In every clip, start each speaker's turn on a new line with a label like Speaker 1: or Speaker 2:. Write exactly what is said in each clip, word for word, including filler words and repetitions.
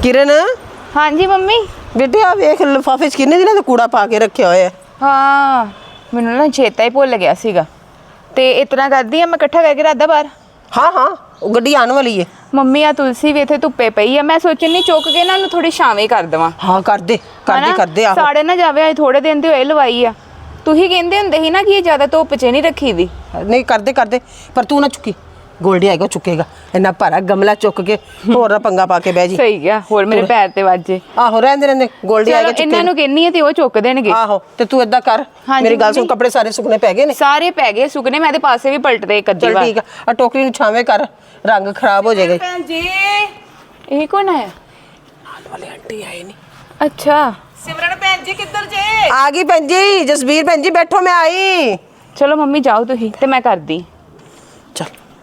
Speaker 1: किरण
Speaker 2: हाँ जी मम्मी
Speaker 1: बेटे आ वेख लिफाफे च किन्ने दिनों ਦਾ ਕੂੜਾ ਪਾ ਕੇ ਰੱਖਿਆ ਹੋਇਆ।
Speaker 2: हाँ मैनू ना चेता ही भुल गया सीगा ते इतना करदी आ मैं इकट्ठा करके रखदा बाहर।
Speaker 1: हाँ हाँ ਉਹ ਗੱਡੀ ਆਉਣ ਵਾਲੀ ਹੈ।
Speaker 2: ਮੰਮੀ ਆ ਤੁਲਸੀ ਵੀ ਇੱਥੇ ਧੁੱਪੇ ਪਈ ਆ ਮੈਂ ਸੋਚਣ ਨਹੀਂ ਚੁੱਕ ਕੇ ਨਾ ਉਹਨੂੰ ਥੋੜੀ ਛਾਵੇਂ ਕਰ ਦੇਵਾਂ।
Speaker 1: ਹਾਂ ਕਰ ਦੇ ਕਰ ਦੇ ਕਰ ਦੇ ਆਹੋ
Speaker 2: ਸਾੜੇ ਨਾ ਜਾਵੇ ਅੱਜ ਥੋੜੇ ਦਿਨ ਦੀ ਹੋਏ ਲਵਾਈ ਆ ਤੁਸੀਂ ਕਹਿੰਦੇ ਹੁੰਦੇ ਸੀ ਨਾ ਕਿ ਇਹ ਜ਼ਿਆਦਾ ਧੁੱਪ 'ਚ ਨਹੀਂ ਰੱਖੀ ਦੀ।
Speaker 1: ਨਹੀਂ ਕਰਦੇ ਕਰਦੇ ਪਰ ਤੂੰ ਨਾ ਚੁੱਕੀ ਗੋਲਡੀ ਆਏਗਾ ਚੁੱਕੇਗਾ ਇੰਨਾ ਭਾਰਾ ਗਮਲਾ ਚੁੱਕ ਕੇ ਹੋਰ ਨਾ ਪੰਗਾ ਪਾ ਕੇ ਬਹਿ ਜੀ।
Speaker 2: ਸਹੀ ਗਿਆ ਹੋਰ ਮੇਰੇ ਪੈਰ ਤੇ ਵੱਜੇ।
Speaker 1: ਆਹੋ ਰਹਿੰਦੇ ਰਹਿੰਦੇ ਗੋਲਡੀ ਆਏਗਾ ਚੁੱਕੇ
Speaker 2: ਇਹਨਾਂ ਨੂੰ ਕਹਿੰਨੀ ਆ ਤੇ ਉਹ ਚੁੱਕ ਦੇਣਗੇ।
Speaker 1: ਆਹੋ ਤੇ ਤੂੰ ਏਦਾਂ ਕਰ ਮੇਰੀ ਗੱਲ ਸੁਣ ਕੱਪੜੇ ਸਾਰੇ ਸੁੱਕਣੇ ਪੈ ਗਏ ਨੇ
Speaker 2: ਸਾਰੇ ਪੈ ਗਏ ਸੁੱਕਣੇ ਮੈਂ ਤੇ ਪਾਸੇ ਵੀ ਪਲਟਦੇ ਇੱਕ ਅੱਧੀ ਵਾਰ।
Speaker 1: ਠੀਕ ਆ ਆ ਟੋਕਰੀ ਨੂੰ ਛਾਵੇਂ ਕਰ ਰੰਗ ਖਰਾਬ ਹੋ ਜਾਏਗਾ।
Speaker 2: ਭੈਣ ਜੀ ਇਹ ਕੌਣ ਆਇਆ?
Speaker 1: ਨਾਲ ਵਾਲੇ ਆਂਟੀ ਆਏ ਨਹੀਂ।
Speaker 2: ਅੱਛਾ
Speaker 3: ਸਿਮਰਨ ਭੈਣ ਜੀ ਕਿੱਧਰ ਜੇ?
Speaker 1: ਆ ਗਈ ਭੈਣ ਜੀ ਜਸਬੀਰ ਭੈਣ ਜੀ ਬੈਠੋ ਮੈਂ ਆਈ।
Speaker 2: ਚਲੋ ਮੰਮੀ ਜਾਓ ਤੁਸੀਂ ਤੇ ਮੈਂ ਕਰਦੀ।
Speaker 1: ਚੱਲ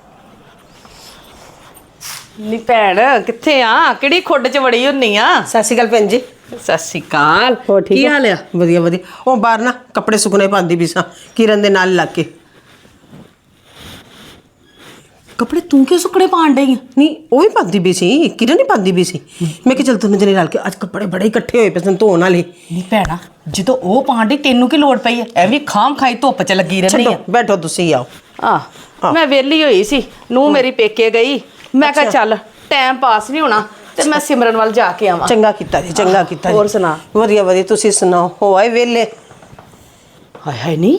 Speaker 3: ਨੀ ਭੈਣ ਕਿੱਥੇ ਆ? ਕਿਹੜੀ ਖੁੱਡ 'ਚ ਵੜੀ ਹੁੰਨੀ ਆ?
Speaker 1: ਸਤਿ ਸ਼੍ਰੀ ਅਕਾਲ ਭੈਣ ਜੀ।
Speaker 3: ਸਤਿ ਸ਼੍ਰੀ ਅਕਾਲ।
Speaker 1: ਹੋਰ ਠੀਕ
Speaker 3: ਕੀ ਹਾਲ ਆ?
Speaker 1: ਵਧੀਆ ਵਧੀਆ। ਉਹ ਬਾਹਰ ਨਾ ਕੱਪੜੇ ਸੁੱਕਣੇ ਪਾਉਂਦੀ ਵੀ ਸਾਂ ਕਿਰਨ ਦੇ ਨਾਲ ਲੱਗ ਕੇ।
Speaker 3: ਕੱਪੜੇ ਤੂੰ ਕਿਉਂ ਸੁੱਕਣੇ ਪਾਣ ਡਈ?
Speaker 1: ਨਹੀਂ ਉਹ ਵੀ ਪਾਉਂਦੀ ਵੀ ਸੀ ਕਿਰਨ ਨਹੀਂ ਪਾਉਂਦੀ ਵੀ ਸੀ। ਮੈਂ ਕਿਹਾ ਚੱਲ ਦੋਨੋਂ ਜਣੇ ਰਲ ਕੇ ਅੱਜ ਕੱਪੜੇ ਬੜੇ ਇਕੱਠੇ ਹੋਏ ਪਏ ਸਨ ਧੋਣ ਵਾਲੇ।
Speaker 3: ਨੀ ਭੈਣਾ ਜਦੋਂ ਉਹ ਪਾਣ ਡਈ ਤੈਨੂੰ ਕੀ ਲੋੜ ਪਈ ਐ? ਐਵੇਂ ਖਾਮ ਖਾਈ ਧੁੱਪ 'ਚ ਲੱਗੀ ਰਹਿੰਦੀ
Speaker 1: ਛੱਡੋ
Speaker 3: ਆ।
Speaker 1: ਬੈਠੋ ਤੁਸੀਂ ਆਓ।
Speaker 3: ਆ ਮੈਂ ਵਿਹਲੀ ਹੋਈ ਸੀ ਨੂੰ ਮੇਰੀ ਪੇਕੇ ਗਈ ਮੈਂ ਕਿਹਾ ਚੱਲ ਟਾਈਮ ਪਾਸ ਨਹੀਂ ਹੋਣਾ ਤੇ ਮੈਂ ਸਿਮਰਨ ਵੱਲ ਜਾ ਕੇ ਆਵਾਂ।
Speaker 1: ਚੰਗਾ ਕੀਤਾ ਜੀ ਚੰਗਾ ਕੀਤਾ ਜੀ।
Speaker 3: ਹੋਰ ਸੁਣਾ?
Speaker 1: ਵਧੀਆ ਵਧੀਆ ਤੁਸੀਂ ਸੁਣਾਓ ਹੋ ਆਏ ਵੇਲੇ?
Speaker 3: ਹਾਏ ਹਾਏ ਨੀ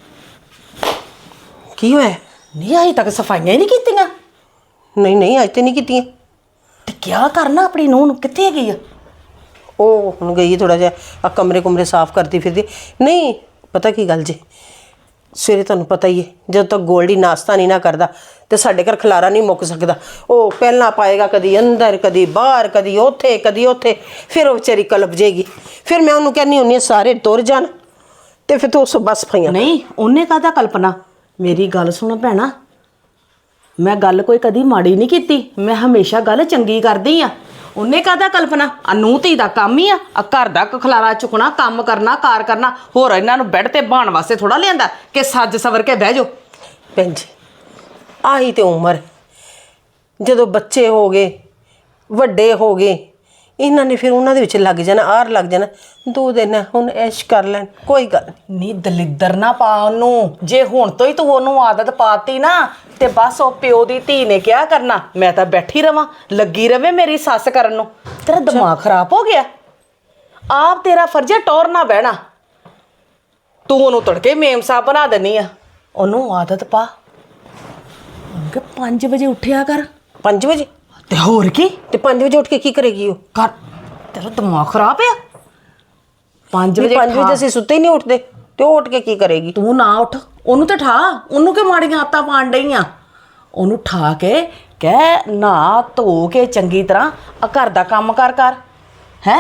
Speaker 1: ਕੀ ਹੋਇਆ?
Speaker 3: ਨੀ ਅਜੇ ਤੱਕ ਸਫਾਈਆਂ ਹੀ ਨਹੀਂ ਕੀਤੀਆਂ।
Speaker 1: ਨਹੀਂ ਨਹੀਂ ਅੱਜ ਤੇ ਨਹੀਂ ਕੀਤੀਆਂ।
Speaker 3: ਤੇ ਕਿਆ ਕਰਨਾ ਆਪਣੀ ਨੂੰਹ ਨੂੰ? ਕਿੱਥੇ ਗਈ ਆ
Speaker 1: ਉਹ ਹੁਣ ਗਈ ਥੋੜਾ ਜਿਹਾ ਆ ਕਮਰੇ ਕੁਮਰੇ ਸਾਫ਼ ਕਰਦੀ ਫਿਰਦੀ। ਨਹੀਂ ਪਤਾ ਕੀ ਗੱਲ ਜੀ ਸਵੇਰੇ ਤੁਹਾਨੂੰ ਪਤਾ ਹੀ ਹੈ ਜਦੋਂ ਤੱਕ ਗੋਲਡੀ ਨਾਸ਼ਤਾ ਨਹੀਂ ਨਾ ਕਰਦਾ ਤੇ ਸਾਡੇ ਘਰ ਖਲਾਰਾ ਨਹੀਂ ਮੁੱਕ ਸਕਦਾ। ਉਹ ਪਹਿਲਾਂ ਪਾਏਗਾ ਕਦੀ ਅੰਦਰ ਕਦੀ ਬਾਹਰ ਕਦੀ ਉੱਥੇ ਕਦੀ ਉੱਥੇ ਫਿਰ ਉਹ ਵਿਚਾਰੀ ਕਲਪ ਜਾਏਗੀ। ਫਿਰ ਮੈਂ ਉਹਨੂੰ ਕਹਿੰਦੀ ਹੁੰਦੀ ਹਾਂ ਸਾਰੇ ਤੁਰ ਜਾਣ ਤੇ ਫਿਰ ਤੂੰ ਬਸ ਪਈਆਂ।
Speaker 3: ਨਹੀਂ ਉਹਨੇ ਕਾਹਦਾ ਕਲਪਨਾ? ਮੇਰੀ ਗੱਲ ਸੁਣ ਭੈਣਾ ਮੈਂ ਗੱਲ ਕੋਈ ਕਦੀ ਮਾੜੀ ਨਹੀਂ ਕੀਤੀ ਮੈਂ ਹਮੇਸ਼ਾ ਗੱਲ ਚੰਗੀ ਕਰਦੀ ਆ। ਉਹਨੇ ਕਾਹਦਾ ਕਲਪਨਾ? ਆ ਨੂੰਹ ਧੀ ਦਾ ਕੰਮ ਹੀ ਆ ਆ ਘਰ ਦਾ ਖਲਾਰਾ ਚੁੱਕਣਾ ਕੰਮ ਕਰਨਾ ਕਾਰ ਕਰਨਾ। ਹੋਰ ਇਹਨਾਂ ਨੂੰ ਬੈੱਡ ਤੇ ਬਾਣ ਵਾਸਤੇ ਥੋੜਾ ਲਿਆਂਦਾ ਕਿ ਸੱਜ ਸਵਰ ਕੇ ਬਹਿ ਜਾਓ।
Speaker 1: ਭੈਣ ਜੀ ਆਹੀ ਤੇ ਉਮਰ ਜਦੋਂ ਬੱਚੇ ਹੋ ਗਏ ਵੱਡੇ ਹੋ ਗਏ ਇਹਨਾਂ ਨੇ ਫਿਰ ਉਹਨਾਂ ਦੇ ਵਿੱਚ ਲੱਗ ਜਾਣਾ ਆਰ ਲੱਗ ਜਾਣਾ। ਦੋ ਦਿਨ ਹੁਣ ਐਸ਼ ਕਰ ਲੈਣ ਕੋਈ ਗੱਲ
Speaker 3: ਨੀ ਦਲਿੱਦਰ ਨਾ ਪਾ ਉਹਨੂੰ। ਜੇ ਹੁਣ ਤੋਂ ਹੀ ਤੂੰ ਉਹਨੂੰ ਆਦਤ ਪਾਤੀ ਨਾ ਤੇ ਬਸ ਉਹ ਪਿਓ ਦੀ ਧੀ ਨੇ ਕਿਹਾ ਕਰਨਾ ਮੈਂ ਤਾਂ ਬੈਠੀ ਰਵਾਂ ਲੱਗੀ ਰਵੇ ਮੇਰੀ ਸੱਸ ਕਰਨ ਨੂੰ। ਤੇਰਾ ਦਿਮਾਗ ਖਰਾਬ ਹੋ ਗਿਆ। ਆਪ ਤੇਰਾ ਫਰਜ਼ ਹੈ ਟੌਰ ਨਾ ਬਹਿਣਾ। ਤੂੰ ਉਹਨੂੰ ਤੜਕੇ ਮੇਮ ਸਾਹਿਬ ਬਣਾ ਦਿੰਨੀ ਆ। ਉਹਨੂੰ ਆਦਤ ਪਾ ਕਿ ਪੰਜ ਵਜੇ ਉੱਠਿਆ ਕਰ।
Speaker 1: ਪੰਜ ਵਜੇ
Speaker 3: ਤੇ ਹੋਰ ਕੀ?
Speaker 1: ਤੇ ਪੰਜ ਵਜੇ ਉੱਠ ਕੇ ਕੀ ਕਰੇਗੀ ਉਹ?
Speaker 3: ਕਰ ਤੇਰਾ ਦਿਮਾਗ ਖਰਾਬ ਆ। ਪੰਜ ਵਜੇ
Speaker 1: ਪੰਜ ਵਜੇ ਅਸੀਂ ਸੁੱਤੇ ਹੀ ਨਹੀਂ ਉੱਠਦੇ ਤੇ ਉਹ ਉੱਠ ਕੇ ਕੀ ਕਰੇਗੀ?
Speaker 3: ਤੂੰ ਨਾ ਉੱਠ ਉਹਨੂੰ ਤੇ ਠਾ। ਉਹਨੂੰ ਕਿ ਮਾੜੀਆਂ ਆਦਤਾਂ ਪਾਣ ਡਈਆਂ? ਉਹਨੂੰ ਠਾ ਕੇ ਕਹਿ ਨਾ ਧੋ ਕੇ ਚੰਗੀ ਤਰ੍ਹਾਂ ਆ ਘਰ ਦਾ ਕੰਮ ਕਰ ਕਰ ਹੈ।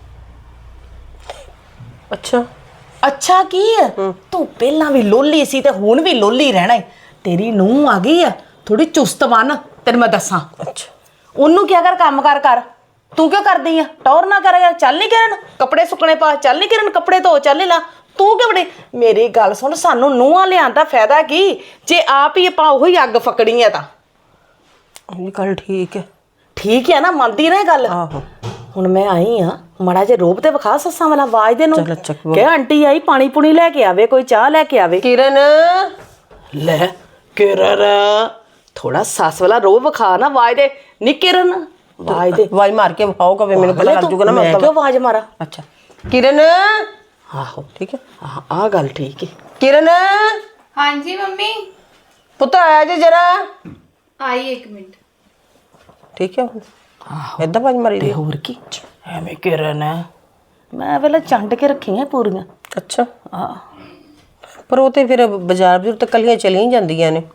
Speaker 1: ਅੱਛਾ
Speaker 3: ਅੱਛਾ ਕੀ ਹੈ ਤੂੰ ਪਹਿਲਾਂ ਵੀ ਲੋਲੀ ਸੀ ਤੇ ਹੁਣ ਵੀ ਲੋਲੀ ਰਹਿਣਾ ਏ। ਤੇਰੀ ਨੂੰਹ ਆ ਗਈ ਆ ਥੋੜੀ ਚੁਸਤ ਬਣ ਤੈਨੂੰ ਮੈਂ ਦੱਸਾਂ।
Speaker 1: ਅੱਛਾ
Speaker 3: ਉਹਨੂੰ ਕਿਹਾ ਕਰ ਕੰਮ ਕਰ ਕਰ। ਤੂੰ ਕਿਉਂ ਕਰਦੀ ਆ? ਟੌਰ ਨਾ ਕਰ ਯਾਰ। ਚੱਲ ਨਹੀਂ ਕਰਨ ਕੱਪੜੇ ਸੁੱਕਣੇ ਪਾ। ਚੱਲ ਨਹੀਂ ਕਰਨ ਕੱਪੜੇ ਧੋ। ਚੱਲ ਲਾ ਤੂੰ ਕਿਉਂ ਬੜੀ? ਮੇਰੀ ਗੱਲ ਸੁਣ ਸਾਨੂੰ ਨੂੰਹਾਂ ਲਿਆਉਣ ਦਾ ਫਾਇਦਾ ਕੀ ਜੇ ਆਪ ਹੀ ਆਪਾਂ ਉਹੀ ਅੱਗ ਫਕੜੀ ਆ ਤਾਂ।
Speaker 1: ਇਹ ਗੱਲ ਠੀਕ ਹੈ।
Speaker 3: ਠੀਕ ਹੈ ਨਾ ਮੰਨਦੀ ਨਾ ਇਹ ਗੱਲ।
Speaker 1: ਆਹੋ
Speaker 3: ਹੁਣ ਮੈਂ ਆਈ ਆ ਮੜਾ ਜੇ ਰੋਬ ਤੇ ਵਿਖਾ ਸੱਸਾਂ ਵਾਲਾ ਆਵਾਜ਼ ਦੇ ਨੂੰ
Speaker 1: ਚੱਲ ਚੱਕ
Speaker 3: ਕਿ ਆਂਟੀ ਆਈ ਪਾਣੀ ਪੁਣੀ ਲੈ ਕੇ ਆਵੇ ਕੋਈ ਚਾਹ ਲੈ ਕੇ ਆਵੇ।
Speaker 1: ਕਿਰਨ
Speaker 3: ਲੈ ਕਿਰਨ ਥੋੜਾ ਸੱਸ ਵਾਲਾ ਰੋਬ ਵਿਖਾ ਨਾ ਆਵਾਜ਼ ਦੇ। ਨੀ ਕਿਰਨ ਆਵਾਜ਼ ਦੇ।
Speaker 1: ਆਵਾਜ਼ ਮਾਰ ਕੇ ਵਿਖਾਓ ਕਵੇ ਮੈਨੂੰ ਪਤਾ ਲੱਗ ਜੂਗਾ ਨਾ
Speaker 3: ਮੈਂ ਕਿਉਂ ਆਵਾਜ਼ ਮਾਰਾ?
Speaker 1: ਅੱਛਾ ਕਿਰਨ
Speaker 3: ਆਹੋ
Speaker 1: ਠੀਕ ਹੈ
Speaker 3: ਆ ਆ ਗੱਲ ਠੀਕ ਹੈ।
Speaker 1: ਕਿਰਨ
Speaker 2: हाँ जी मम्मी
Speaker 1: ਪੁੱਤ ਆਇਆ ਜੇ ਜਰਾ।
Speaker 2: आई एक मिनट।
Speaker 1: ਠੀਕ ਹੈ ਏਦਾਂ ਆਵਾਜ਼ ਮਾਰੀ
Speaker 3: ਤੇ
Speaker 1: ਦੀ।
Speaker 3: ਹੋਰ ਕੀ ਐਵੇਂ ਕਿਰਨ ਮੈਂ ਵੇਲੇ ਚੰਡ ਕੇ ਰੱਖੀਆਂ ਪੂਰੀਆਂ।
Speaker 1: ਅੱਛਾ
Speaker 3: ਆ
Speaker 1: ਪਰ ਉਹ ਤੇ ਫਿਰ ਬਾਜ਼ਾਰ ਬਜ਼ੂਰ ਤੇ ਕੱਲੀਆਂ ਚਲੀਆਂ ਜਾਂਦੀਆਂ ਨੇ।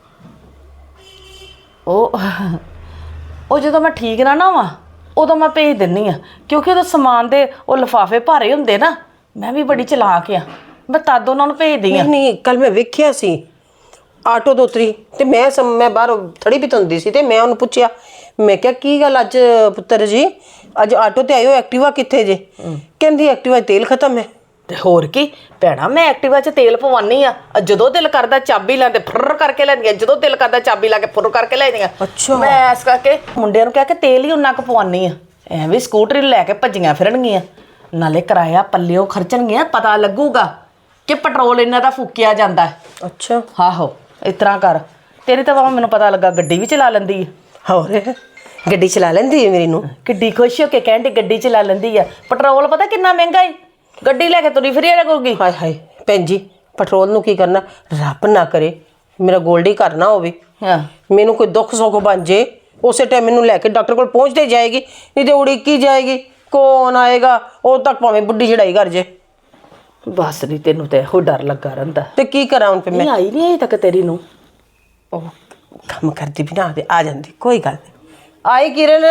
Speaker 3: ਉਹ ਉਹ ਜਦੋਂ ਮੈਂ ਠੀਕ ਨਾ ਨਾ ਵਾਂ ਉਦੋਂ ਮੈਂ ਭੇਜ ਦਿੰਨੀ ਆ ਕਿਉਂਕਿ ਉਹਦਾ ਸਮਾਨ ਦੇ ਉਹ ਲਿਫਾਫੇ ਭਾਰੇ ਹੁੰਦੇ ਨਾ। ਮੈਂ ਵੀ ਬੜੀ ਚਲਾਕ ਆ ਮੈਂ ਤਦ ਉਹਨਾਂ ਨੂੰ ਭੇਜਦੀ ਆ।
Speaker 1: ਨਹੀਂ ਨਹੀਂ ਕੱਲ ਮੈਂ ਵੇਖਿਆ ਸੀ ਆਟੋ ਤੋਂ ਉਤਰੀ ਤੇ ਮੈਂ ਸਮ ਮੈਂ ਬਾਹਰ ਥੜੀ ਵੀ ਧੁੰਦੀ ਸੀ ਤੇ ਮੈਂ ਉਹਨੂੰ ਪੁੱਛਿਆ ਮੈਂ ਕਿਹਾ ਕੀ ਗੱਲ ਅੱਜ ਪੁੱਤਰ ਜੀ ਅੱਜ ਆਟੋ ਤੇ ਆਇਓ ਐਕਟਿਵਾ ਕਿੱਥੇ ਜੇ? ਕਹਿੰਦੀ ਐਕਟਿਵਾ 'ਚ ਤੇਲ ਖਤਮ ਹੈ।
Speaker 3: ਤੇ ਹੋਰ ਕੀ ਭੈਣਾ ਮੈਂ ਐਕਟਿਵਾ 'ਚ ਤੇਲ ਪਵਾਨੀ ਆ। ਜਦੋਂ ਦਿਲ ਕਰਦਾ ਚਾਬੀ ਲਾ ਤੇ ਫੁਰ ਕਰਕੇ ਲੈਂਦੀਆਂ ਜਦੋਂ ਦਿਲ ਕਰਦਾ ਚਾਬੀ ਲਾ ਕੇ ਫੁਰ ਕਰਕੇ ਲੈਂਦੀਆਂ।
Speaker 1: ਅੱਛਾ
Speaker 3: ਮੈਂ ਇਸ ਕਰਕੇ ਮੁੰਡਿਆਂ ਨੂੰ ਕਹਿ ਕੇ ਤੇਲ ਹੀ ਉਨਾ ਕੁ ਪਵਾਨੀ ਆ ਐਵੇਂ ਸਕੂਟਰੀ ਲੈ ਕੇ ਭੱਜੀਆਂ ਫਿਰਨਗੀਆਂ ਨਾਲੇ ਕਿਰਾਇਆ ਪੱਲਿਓ ਖਰਚਣਗੀਆਂ ਪਤਾ ਲੱਗੂਗਾ ਕਿ ਪੈਟਰੋਲ ਇਹਨਾਂ ਦਾ ਫੂਕਿਆ ਜਾਂਦਾ ਹੈ।
Speaker 1: ਅੱਛਾ
Speaker 3: ਆਹੋ ਇਸ ਤਰ੍ਹਾਂ ਕਰ ਤੇਰੀ ਤਾਂ ਬਾਬਾ ਮੈਨੂੰ ਪਤਾ ਲੱਗਾ ਗੱਡੀ ਵੀ ਚਲਾ ਲੈਂਦੀ ਹੈ।
Speaker 1: ਹੋਰ ਗੱਡੀ ਚਲਾ ਲੈਂਦੀ ਹੈ ਮੇਰੀ ਨੂੰ।
Speaker 3: ਕਿੱਡੀ ਖੁਸ਼ ਹੋ ਕੇ ਕਹਿੰਦੀ ਗੱਡੀ ਚਲਾ ਲੈਂਦੀ ਆ। ਪੈਟਰੋਲ ਪਤਾ ਕਿੰਨਾ ਮਹਿੰਗਾ ਏ ਗੱਡੀ ਲੈ ਕੇ ਤੁਰੀ ਫਿਰੀ ਰਹੂਗੀ।
Speaker 1: ਹਾਏ ਹਾਏ ਭੈਣ ਜੀ ਪੈਟਰੋਲ ਨੂੰ ਕੀ ਕਰਨਾ ਰੱਬ ਨਾ ਕਰੇ ਮੇਰਾ ਗੋਲਡੀ ਘਰ ਨਾ ਹੋਵੇ
Speaker 3: ਹਾਂ
Speaker 1: ਮੈਨੂੰ ਕੋਈ ਦੁੱਖ ਸੁੱਖ ਬਣ ਜੇ ਉਸੇ ਟਾਈਮ ਮੈਨੂੰ ਲੈ ਕੇ ਡਾਕਟਰ ਕੋਲ ਪਹੁੰਚਦੇ ਜਾਏਗੀ ਨਹੀਂ ਤੇ ਉਡੀਕੀ ਜਾਏਗੀ ਕੌਣ ਆਏਗਾ ਉਦੋਂ ਤੱਕ ਭਾਵੇਂ ਬੁੱਢੀ ਚੜਾਈ ਕਰ ਜੇ।
Speaker 3: ਬਸ ਨਹੀਂ ਤੈਨੂੰ ਤੇ ਇਹੋ ਡਰ ਲੱਗਾ ਰਹਿੰਦਾ।
Speaker 1: ਤੇ ਕੀ ਕਰਾਂ ਹੁਣ ਫਿਰ ਮੈਂ
Speaker 3: ਨਹੀਂ ਆਈ ਨਹੀਂ ਅਜੇ ਤੱਕ ਤੇਰੀ ਨੂੰ।
Speaker 1: ਉਹ ਕੰਮ ਕਰਦੀ ਵੀ ਨਾ ਤੇ ਆ ਜਾਂਦੀ ਕੋਈ ਗੱਲ ਨਹੀਂ। ਆਈ ਕਿਰਨ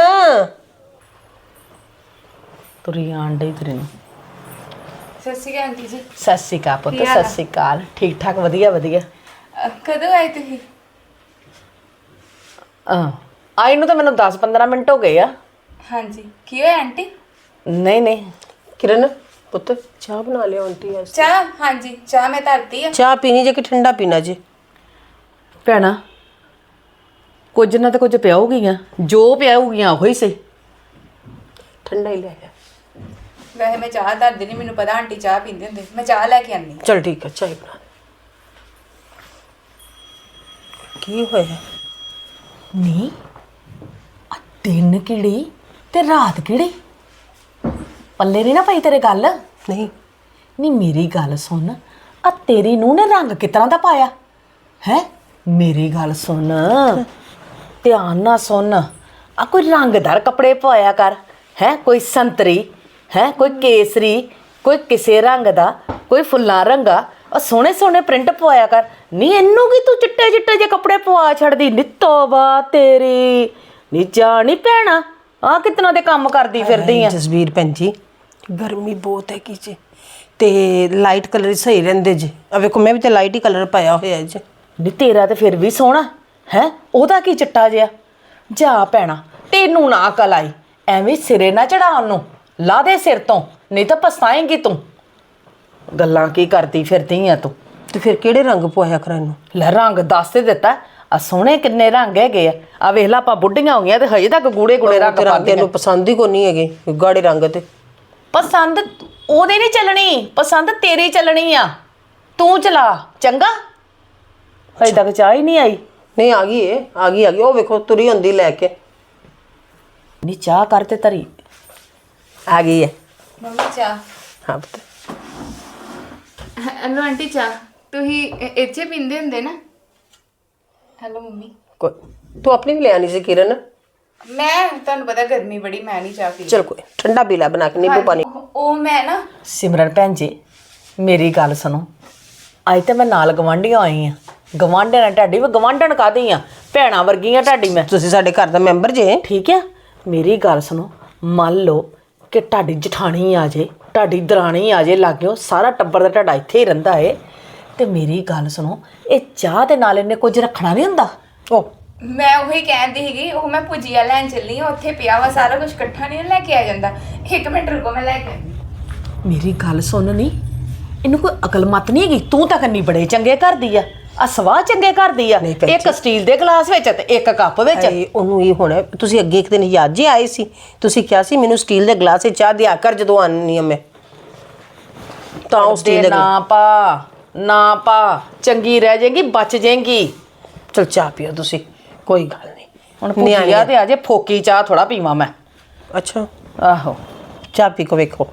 Speaker 3: ਤੁਰੀ ਆਣ ਡਈ ਤੇਰੀ ਨੂੰ।
Speaker 2: ਸਤਿ ਸ਼੍ਰੀ ਅਕਾਲ ਆਂਟੀ ਜੀ।
Speaker 3: ਸਤਿ ਸ਼੍ਰੀ ਅਕਾਲ ਪੁੱਤ
Speaker 2: ਕੀ ਹਾਲ
Speaker 3: ਸਤਿ ਸ਼੍ਰੀ ਅਕਾਲ ਠੀਕ ਠਾਕ ਵਧੀਆ ਵਧੀਆ।
Speaker 2: ਅਹ ਕਦੋਂ ਆਏ ਤੁਸੀਂ?
Speaker 3: ਹਾਂ ਆਈ ਨੂੰ ਤਾਂ ਮੈਨੂੰ ਦਸ ਪੰਦਰਾਂ ਮਿੰਟ ਹੋ ਗਏ ਆ।
Speaker 2: ਹਾਂਜੀ ਕੀ ਹੋਇਆ ਆਂਟੀ?
Speaker 3: ਨਹੀਂ ਨਹੀਂ
Speaker 1: ਕਿਰਨ ਪੁੱਤ ਚਾਹ ਬਣਾ ਲਿਆ ਆਂਟੀ ਵਾਸਤੇ।
Speaker 2: ਚਾਹ? ਹਾਂਜੀ ਚਾਹ ਮੈਂ ਧਰਤੀ ਆ।
Speaker 1: ਚਾਹ ਪੀਣੀ ਜੇ ਕਿ ਠੰਡਾ ਪੀਣਾ ਜੇ?
Speaker 3: ਭੈਣਾ ਕੁਝ ਨਾ ਤਾਂ ਕੁਝ ਪਿਆਉਗੀਆਂ ਜੋ ਪਿਆਉਗੀਆਂ ਉਹੀ ਸਹੀ।
Speaker 1: ਠੰਡਾ ਹੀ ਲੈ ਆ।
Speaker 2: ਵੈਸੇ ਮੈਂ ਚਾਹ ਧਰਦੀ ਨਹੀਂ ਮੈਨੂੰ ਪਤਾ ਆਂਟੀ ਚਾਹ ਪੀਂਦੇ ਹੁੰਦੇ ਮੈਂ ਚਾਹ ਲੈ ਕੇ ਆਨੀ।
Speaker 1: ਚਲ ਠੀਕ ਹੈ ਚਾਹ ਹੀ ਬਣਾ ਦੇ। ਕੀ ਹੋਇਆ?
Speaker 3: ਨਹੀਂ ਆ ਦਿਨ ਕਿਹੜੀ ਤੇ ਰਾਤ ਕਿਹੜੀ ਪੱਲੇ ਨਹੀਂ ਨਾ ਪਈ ਤੇਰੇ ਗੱਲ।
Speaker 1: ਨਹੀਂ
Speaker 3: ਨਹੀਂ ਮੇਰੀ ਗੱਲ ਸੁਣ ਆ ਤੇਰੀ ਨੂੰਹ ਨੇ ਰੰਗ ਕਿਤਨਾ ਦਾ ਪਾਇਆ ਹੈ? ਮੇਰੀ ਗੱਲ ਸੁਣ ਧਿਆਨ ਨਾਲ ਸੁਣ ਆ ਕੋਈ ਰੰਗਦਾਰ ਕੱਪੜੇ ਪਾਇਆ ਕਰ ਹੈ ਕੋਈ ਸੰਤਰੀ ਹੈ ਕੋਈ ਕੇਸਰੀ ਕੋਈ ਕਿਸੇ ਰੰਗ ਦਾ ਕੋਈ ਫੁੱਲਾਂ ਰੰਗਾ ਆ ਸੋਹਣੇ ਸੋਹਣੇ ਪ੍ਰਿੰਟ ਪਵਾਇਆ ਕਰ। ਨਹੀਂ ਇਹਨੂੰ ਕੀ ਤੂੰ ਚਿੱਟੇ ਚਿੱਟੇ ਜੇ ਕੱਪੜੇ ਪਵਾ ਛੱਡਦੀ ਨਿੱਤੋਬਾ ਤੇਰੀ ਨੀ ਜਾਣੀ ਭੈਣਾ ਆ ਕਿਤਨਾ ਦੇ ਕੰਮ ਕਰਦੀ ਫਿਰਦੀ ਆ।
Speaker 1: ਜਸਵੀਰ ਭੈਣ ਜੀ ਗਰਮੀ ਬਹੁਤ ਹੈ ਕੀ ਜੀ ਤੇ ਲਾਈਟ ਕਲਰ ਸਹੀ ਰਹਿੰਦੇ ਜੀ। ਆ ਵੇਖੋ ਮੈਂ ਵੀ ਤੇ ਲਾਈਟ ਹੀ ਕਲਰ ਪਾਇਆ ਹੋਇਆ ਜੀ।
Speaker 3: ਨੀ ਤੇਰਾ ਤੇ ਫਿਰ ਵੀ ਸੋਹਣਾ ਹੈ ਉਹਦਾ ਕੀ ਚਿੱਟਾ ਜਿਹਾ ਜਾ ਭੈਣਾ ਤੈਨੂੰ ਨਾ ਅਕਲ ਆਈ ਐਵੇਂ ਸਿਰੇ ਨਾ ਚੜਾ ਉਹਨੂੰ ਲਾ ਦੇ ਸਿਰ ਤੋਂ ਨਹੀਂ ਤਾਂ ਪਛਤਾਏਂਗੀ ਤੂੰ। ਗੱਲਾਂ ਕੀ ਕਰਦੀ ਫਿਰਦੀ ਆ ਤੂੰ।
Speaker 1: ਤੇ ਫਿਰ ਕਿਹੜੇ ਰੰਗ ਪਵਾਇਆ ਕਰਾਂ ਇਹਨੂੰ?
Speaker 3: ਲੈ ਰੰਗ ਦੱਸ ਤੇ ਦਿੱਤਾ ਆ ਸੋਹਣੇ ਕਿੰਨੇ ਰੰਗ ਹੈਗੇ ਆ। ਆ ਵੇਖ ਲਾ ਆਪਾਂ ਬੁੱਢੀਆਂ ਹੋ ਗਈਆਂ ਤੇ ਹਜੇ ਤੱਕ ਗੂੜੇ ਗੂੜੇ ਰੰਗ
Speaker 1: ਤੇ ਰੰਗ
Speaker 3: ਪਾਉਂਦੀਆਂ।
Speaker 1: ਇਹਨੂੰ ਪਸੰਦ ਹੀ ਕੋਈ ਨਹੀਂ ਹੈਗੇ ਗਾੜੇ ਰੰਗ ਤੇ।
Speaker 3: ਪਸੰਦ ਉਹਦੀ ਨਹੀਂ ਚੱਲਣੀ ਪਸੰਦ ਤੇਰੀ ਚੱਲਣੀ ਆ ਤੂੰ ਚਲਾ ਚੰਗਾ। ਹਜੇ ਤੱਕ ਚਾਹ ਹੀ ਨਹੀਂ ਆਈ।
Speaker 1: ਨਹੀਂ ਆ ਗਈ ਏ ਆ ਗਈ ਆ ਗਈ ਉਹ ਵੇਖੋ ਤੁਰੀ ਹੁੰਦੀ ਲੈ ਕੇ।
Speaker 3: ਨਹੀਂ ਚਾਹ ਕਰ ਤੇ ਧਰੀ
Speaker 1: ਆ ਗਈ ਹੈ
Speaker 2: ਮੰਮੀ ਚਾਹ।
Speaker 1: ਹਾਂ ਪੁੱਤ
Speaker 2: ਹੈਲੋ ਆਂਟੀ ਚਾਹ ਤੁਸੀਂ ਇ- ਇੱਥੇ ਪੀਂਦੇ ਹੁੰਦੇ ਨਾ? Hello mummy.
Speaker 1: ਕੋਈ ਤੂੰ ਆਪਣੀ ਵੀ ਲੈ ਆਣੀ ਸੀ ਕਿਰਨ।
Speaker 2: ਮੈਂ ਤੁਹਾਨੂੰ ਪਤਾ ਗਰਮੀ ਬੜੀ ਮੈਂ ਨਹੀਂ ਚਾਹ ਪੀਂਦੀ।
Speaker 1: ਚਲ ਕੋਈ ਠੰਡਾ ਪੀ ਲੈ ਬਣਾ ਕੇ ਨਿੰਬੂ ਪਾਣੀ।
Speaker 2: ਉਹ- ਉਹ ਮੈਂ ਨਾ
Speaker 3: ਸਿਮਰਨ ਭੈਣ ਜੀ ਮੇਰੀ ਗੱਲ ਸੁਣੋ ਅੱਜ ਤੇ ਮੈਂ ਨਾਲ ਗਵਾਂਢੀਆਂ ਆਈ ਆ। ਗਵਾਂਢਣ ਨਾਲ ਢਾਡੀ ਵੀ ਗਵਾਂਢਣ ਕਾਹਦੀ ਆ ਭੈਣਾਂ ਵਰਗੀਆਂ ਢਾਡੀ ਮੈਂ
Speaker 1: ਤੁਸੀਂ ਸਾਡੇ ਘਰ ਦਾ ਮੈਂਬਰ ਜੇ।
Speaker 3: ਠੀਕ ਆ। ਮੇਰੀ ਗੱਲ ਸੁਣੋ ਮੰਨ ਲਓ ਕਿ ਢਾਡੀ ਜਠਾਣੀ ਆ ਜੇ ਢਾਡੀ ਦਰਾਣੀ ਆ ਜੇ ਲਾਗਿਓ ਸਾਰਾ ਟੱਬਰ ਦਾ ਢਾਡਾ ਇੱਥੇ ਹੀ ਰਹਿੰਦਾ ਏ ਤੇ ਮੇਰੀ ਗੱਲ ਸੁਣੋ ਇਹ ਚਾਹ ਦੇ ਨਾਲ ਇਹਨੇ ਕੁਝ ਰੱਖਣਾ ਨਹੀਂ ਹੁੰਦਾ।
Speaker 1: ਉਹ
Speaker 2: ਮੈਂ ਉਹੀ ਕਹਿੰਦੀ ਸੀਗੀ ਉਹ ਮੈਂ ਭੁਜੀਆ ਲੈਣ ਚੱਲੀ ਹਾਂ ਉੱਥੇ ਪਿਆ ਵਾ ਸਾਰਾ ਕੁਝ ਇਕੱਠਾ ਨਹੀਂ ਲੈ ਕੇ ਆ ਜਾਂਦਾ। ਇੱਕ ਮਿੰਟ ਰੁਕੋ ਮੈਂ ਲੈ ਕੇ ਆਉਂਦੀ।
Speaker 3: ਮੇਰੀ ਗੱਲ ਸੁਣ ਨੀ ਇਹਨੂੰ ਕੋਈ ਅਕਲ ਮਤ ਨਹੀਂ ਹੈਗੀ। ਤੂੰ ਤਾਂ ਕੰਨੀ ਬੜੇ ਚੰਗੇ ਘਰ ਦੀ ਆ ਆ ਸਵਾਹ ਚੰਗੇ ਘਰ ਦੀ ਆ।
Speaker 1: ਨਹੀਂ ਭੈਣ
Speaker 3: ਇੱਕ ਸਟੀਲ ਦੇ ਗਲਾਸ ਵਿੱਚ ਤੇ ਇੱਕ ਕੱਪ ਵਿੱਚ।
Speaker 1: ਹਾਏ, ਉਹਨੂੰ ਇਹ ਹੋਣਾ ਤੁਸੀਂ ਅੱਗੇ ਇੱਕ ਦਿਨ ਯਾਦ ਜੇ ਆਏ ਸੀ ਤੁਸੀਂ ਕਿਹਾ ਸੀ ਮੈਨੂੰ ਸਟੀਲ ਦੇ ਗਲਾਸ 'ਚ ਚਾਹ ਦਿਆ ਕਰ ਜਦੋਂ ਆਨੀ ਆ ਮੈਂ ਤਾਂ ਉਹ ਸਟੀਲ ਦੇ
Speaker 3: ਨਾ ਪਾ ਨਾ ਪਾ ਚੰਗੀ ਰਹਿ ਜਾਏਗੀ ਬਚ ਜਾਏਗੀ।
Speaker 1: ਚਲ ਚਾਹ ਪੀਓ ਤੁਸੀਂ ਕੋਈ ਗੱਲ ਨਹੀਂ।
Speaker 3: ਹੁਣ ਭੁਜੀਆ ਤੇ ਅਜੇ ਫੋਕੀ ਚਾਹ ਥੋੜਾ ਪੀਵਾਂ ਮੈਂ।
Speaker 1: ਅੱਛਾ
Speaker 3: ਆਹੋ
Speaker 1: ਚਾਹ ਪੀ ਕੇ ਵੇਖੋ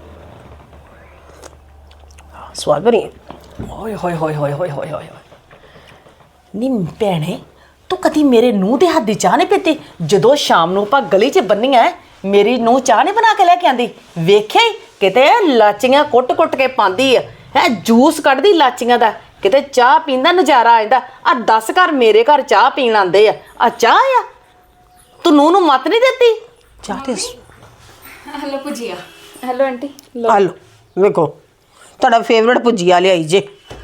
Speaker 1: ਸਵਾਦ ਬਣੀ ਹੈ।
Speaker 3: ਓਏ ਹੋਏ ਹੋਏ ਹੋਏ ਹੋਏ ਹੋਏ ਹੋਏ ਨੀ ਭੈਣੇ ਤੂੰ ਕਦੀ ਮੇਰੇ ਨੂੰਹ ਦੇ ਹੱਥ ਦੀ ਚਾਹ ਨਹੀਂ ਪੀਤੀ? ਜਦੋਂ ਸ਼ਾਮ ਨੂੰ ਆਪਾਂ ਗਲੀ 'ਚ ਬੰਨੀਆਂ ਮੇਰੀ ਨੂੰਹ ਚਾਹ ਨਹੀਂ ਬਣਾ ਕੇ ਲੈ ਕੇ ਆਂਦੀ? ਵੇਖਿਆ ਹੀ ਕਿਤੇ ਲਾਚੀਆਂ ਕੁੱਟ-ਕੁੱਟ ਕੇ ਪਾਉਂਦੀ ਆ ਹੈ ਜੂਸ ਕੱਢਦੀ ਲਾਚੀਆਂ ਦਾ ਕਿਤੇ ਚਾਹ ਪੀਣ ਦਾ ਨਜ਼ਾਰਾ ਆ ਜਾਂਦਾ। ਆ ਦਸ ਘਰ ਮੇਰੇ ਘਰ ਚਾਹ ਪੀਣ ਆਉਂਦੇ ਆ ਆ ਚਾਹ ਆ ਤੂੰ ਨੂੰਹ ਨੂੰ ਮਤ ਨਹੀਂ ਦਿੱਤੀ?
Speaker 1: ਚਾਹ ਤੇ
Speaker 2: ਹੈਲੋ ਭੁਜੀਆ। Hello aunty.
Speaker 1: ਆ ਲਓ ਵੇਖੋ ਤੁਹਾਡਾ ਫੇਵਰਟ ਭੁਜੀਆ ਲਿਆਈ ਜੇ।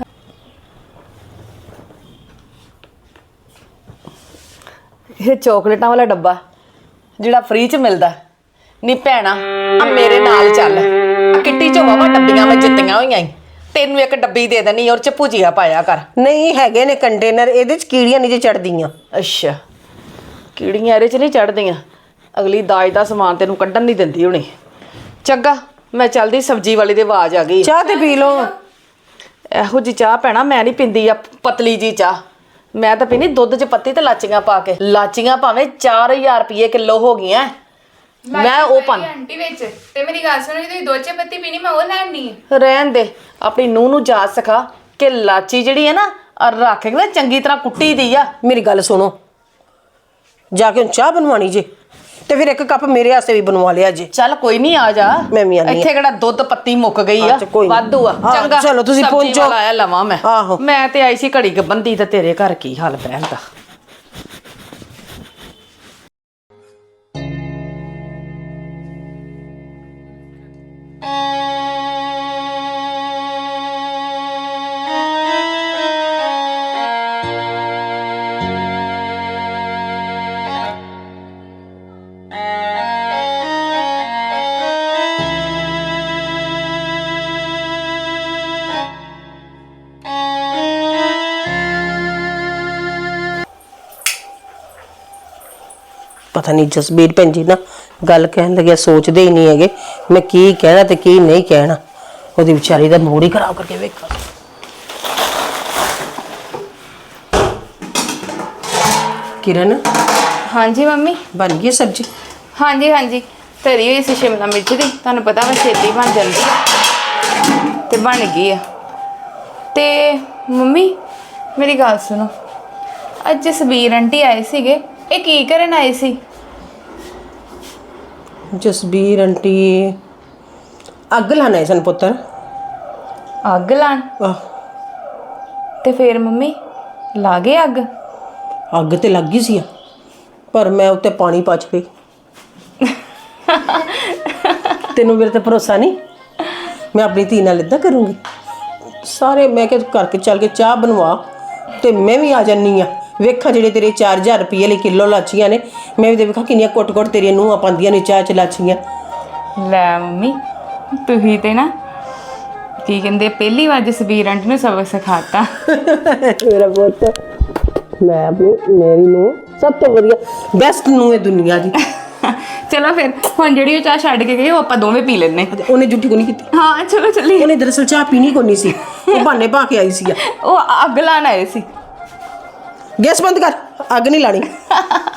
Speaker 3: ਇਹ ਚਾਕਲੇਟਾਂ ਵਾਲਾ ਡੱਬਾ ਜਿਹੜਾ ਫ੍ਰੀ 'ਚ ਮਿਲਦਾ। ਨੀ ਭੈਣਾ ਆ ਮੇਰੇ ਨਾਲ ਚੱਲ ਆ ਕਿੱਟੀ 'ਚ ਵਾਵਾ ਡੱਬੀਆਂ ਵਿੱਚ ਜਿੱਤੀਆਂ ਹੋਈਆਂ ਈ ਤੈਨੂੰ ਇੱਕ ਡੱਬੀ ਦੇ ਦੇਣੀ ਔਰ 'ਚ ਭੁਜੀਆ ਪਾਇਆ ਕਰ।
Speaker 1: ਨਹੀਂ ਹੈਗੇ ਨੇ ਕੰਟੇਨਰ ਇਹਦੇ 'ਚ ਕੀੜੀਆਂ ਨਹੀਂ ਜੇ ਚੜਦੀਆਂ।
Speaker 3: ਅੱਛਾ ਕੀੜੀਆਂ ਇਹਦੇ 'ਚ ਨਹੀਂ ਚੜਦੀਆਂ ਅਗਲੀ ਦਾਜ ਦਾ ਸਮਾਨ ਤੈਨੂੰ ਕੱਢਣ ਨਹੀਂ ਦਿੰਦੀ ਹੁਣੀ। ਚੰਗਾ ਮੈਂ ਚੱਲਦੀ, ਸਬਜ਼ੀ ਵਾਲੀ ਦੀ ਆਵਾਜ਼ ਆ ਗਈ।
Speaker 1: ਚਾਹ ਤੇ ਪੀ ਲਓ।
Speaker 3: ਇਹੋ ਜੀ ਚਾਹ ਭੈਣਾ ਮੈਂ ਨਹੀਂ ਪੀਂਦੀ ਆ, ਪਤਲੀ ਜੀ ਚਾਹ। ਮੈਂ ਤਾਂ ਪੀਣੀ ਦੁੱਧ 'ਚ ਪੱਤੀ ਤੇ ਲਾਚੀਆਂ ਪਾ ਕੇ। ਲਾਚੀਆਂ ਭਾਵੇਂ ਚਾਰ ਹਜ਼ਾਰ ਰੁਪਏ ਕਿਲੋ ਹੋ ਗਈਆਂ, ਮੈਂ ਉਹ ਪਾ
Speaker 2: ਆਂਟੀ ਵਿੱਚ ਤੇ ਮੇਰੀ ਗੱਲ ਸੁਣੋ, ਜੇ ਤੁਸੀਂ ਦੋ ਚਾਹ ਪੱਤੀ ਪੀਣੀ ਮੈਂ ਉਹ ਲੈਣੀ ਹੈ।
Speaker 3: ਰਹਿਣ ਦੇ, ਆਪਣੀ ਨੂੰਹ ਨੂੰ ਜਾਚ ਸਿਖਾ ਕਿ ਲਾਚੀ ਜਿਹੜੀ ਹੈ ਨਾ ਆਹ ਰੱਖ ਕੇ ਨਾ ਚੰਗੀ ਤਰ੍ਹਾਂ ਕੁੱਟੀ ਦੀ ਆ।
Speaker 1: ਮੇਰੀ ਗੱਲ ਸੁਣੋ, ਜਾ ਕੇ ਹੁਣ ਚਾਹ ਬਣਵਾਣੀ ਜੇ ਤੇ ਫਿਰ ਇੱਕ ਕੱਪ ਮੇਰੇ ਵਾਸਤੇ ਵੀ ਬਣਵਾ ਲਿਆ ਜੇ।
Speaker 3: ਚੱਲ ਕੋਈ ਨਹੀਂ, ਆ ਜਾ।
Speaker 1: ਮੈਂ ਵੀ ਆਨੀ ਆ।
Speaker 3: ਇੱਥੇ ਕਿਹੜਾ ਦੁੱਧ ਪੱਤੀ ਮੁੱਕ ਗਈ ਆ,
Speaker 1: ਅੱਛਾ, ਕੋਈ ਨੀ।
Speaker 3: ਵਾਧੂ ਆ।
Speaker 1: ਹਾਂ,
Speaker 3: ਚੰਗਾ
Speaker 1: ਚਲੋ ਤੁਸੀਂ
Speaker 3: ਸਬਜ਼ੀ
Speaker 1: ਪਹੁੰਚੋ।
Speaker 3: ਵਾਲਾ ਆਇਆ ਲਵਾਂ ਮੈਂ।
Speaker 1: ਆਹੋ।
Speaker 3: ਮੈਂ ਤੇ ਆਈ ਸੀ ਘੜੀ ਕ ਬੰਦੀ ਤੇ ਤੇਰੇ ਘਰ ਕੀ ਹਾਲ ਬਹਿਣ ਦਾ।
Speaker 1: ਪਤਾ ਨਹੀਂ ਜਸਬੀਰ ਭੈਣ ਜੀ ਨਾ ਗੱਲ ਕਹਿਣ ਲੱਗਿਆ ਸੋਚਦੇ ਹੀ ਨਹੀਂ ਹੈਗੇ ਮੈਂ ਕੀ ਕਹਿਣਾ ਤੇ ਕੀ ਨਹੀਂ ਕਹਿਣਾ। ਉਹਦੀ ਵਿਚਾਰੀ ਦਾ ਮੂਡ ਹੀ ਖਰਾਬ ਕਰਕੇ ਵੇਖਾ। ਕਿਰਨ,
Speaker 2: ਹਾਂਜੀ ਮੰਮੀ।
Speaker 1: ਬਣ ਗਈ ਸਬਜ਼ੀ?
Speaker 2: ਹਾਂਜੀ ਹਾਂਜੀ, ਧਰੀ ਹੋਈ ਸੀ ਸ਼ਿਮਲਾ ਮਿਰਚ ਦੀ, ਤੁਹਾਨੂੰ ਪਤਾ ਵਾ ਛੇਤੀ ਬਣ ਜਾਂਦੀ ਆ ਤੇ ਬਣ ਗਈ ਆ। ਤੇ ਮੰਮੀ ਮੇਰੀ ਗੱਲ ਸੁਣੋ, ਅੱਜ ਜਸਬੀਰ ਆਂਟੀ ਆਏ ਸੀਗੇ, ਇਹ ਕੀ ਕਰਨ ਆਏ ਸੀ?
Speaker 1: ਜਸਬੀਰ ਆਂਟੀ ਅੱਗ ਲਾਣਾ ਸਨ ਪੁੱਤਰ।
Speaker 2: ਅੱਗ ਲਾਣ?
Speaker 1: ਆਹ,
Speaker 2: ਤੇ ਫੇਰ ਮੰਮੀ ਲਾ ਗਏ ਅੱਗ?
Speaker 1: ਅੱਗ ਤੇ ਲੱਗ ਗਈ ਸੀ ਪਰ ਮੈਂ ਉੱਤੇ ਪਾਣੀ ਪਾ ਗਈ। ਤੈਨੂੰ ਮੇਰੇ ਤੇ ਭਰੋਸਾ ਨਹੀਂ? ਮੈਂ ਆਪਣੀ ਧੀ ਨਾਲ ਇਦਾਂ ਕਰੂੰਗੀ? ਸਾਰੇ ਮੈਂ ਕਿ ਕਰਕੇ ਚੱਲ ਕੇ ਚਾਹ ਬਣਵਾ ਤੇ ਮੈਂ ਵੀ ਆ ਜਾਨੀ ਆ। ਵੇਖਾਂ ਜਿਹੜੇ ਤੇਰੇ ਚਾਰ ਹਜ਼ਾਰ ਰੁਪਏ ਲਈ ਕਿਲੋ ਲਾਚੀਆਂ ਨੇ, ਮੈਂ ਵੀ ਤੇ ਵੇਖਾਂ ਕਿੰਨੀਆਂ ਕੁੱਟ-ਕੁੱਟ ਤੇਰੀਆਂ ਨੂੰਹਾਂ ਪਾਉਂਦੀਆਂ ਨੇ ਚਾਹ ਚ ਲਾਚੀਆਂ।
Speaker 2: ਲੈ ਮੰਮੀ ਤੁਸੀਂ ਤੇ ਨਾ ਕੀ ਕਹਿੰਦੇ ਪਹਿਲੀ ਵਾਰ ਜਸਬੀਰ ਆਂਟੀ ਨੂੰ ਸਬਕ ਸਿਖਾਤਾ।
Speaker 1: ਮੇਰਾ ਪੁੱਤ, ਮੈਂ ਆਪਣੀ ਮੇਰੀ ਨੂੰ ਸਭ ਤੋਂ ਵਧੀਆ ਬੈਸਟ ਨੂੰ ਹੈ ਦੁਨੀਆ ਦੀ।
Speaker 2: ਚਲੋ ਫਿਰ ਹੁਣ ਜਿਹੜੀ ਉਹ ਚਾਹ ਛੱਡ ਕੇ ਗਏ ਉਹ ਆਪਾਂ ਦੋਵੇਂ ਪੀ ਲੈਣੇ।
Speaker 1: ਉਹਨੇ ਜੁੱਠੀ ਕੋ ਨਹੀਂ ਕੀਤੀ।
Speaker 2: ਹਾਂ ਚਲੋ ਚੱਲੀਏ।
Speaker 1: ਉਹਨੇ ਦਰਅਸਲ ਚਾਹ ਪੀਣੀ ਕੋ ਨਹੀਂ ਸੀ, ਉਹ ਬਹਾਨੇ ਪਾ ਕੇ ਆਈ ਸੀ।
Speaker 2: ਉਹ ਅੱਗ ਲਾਣ ਆਏ ਸੀ।
Speaker 1: ਗੈਸ ਬੰਦ ਕਰ, ਅੱਗ ਨਹੀਂ ਲਾਣੀ।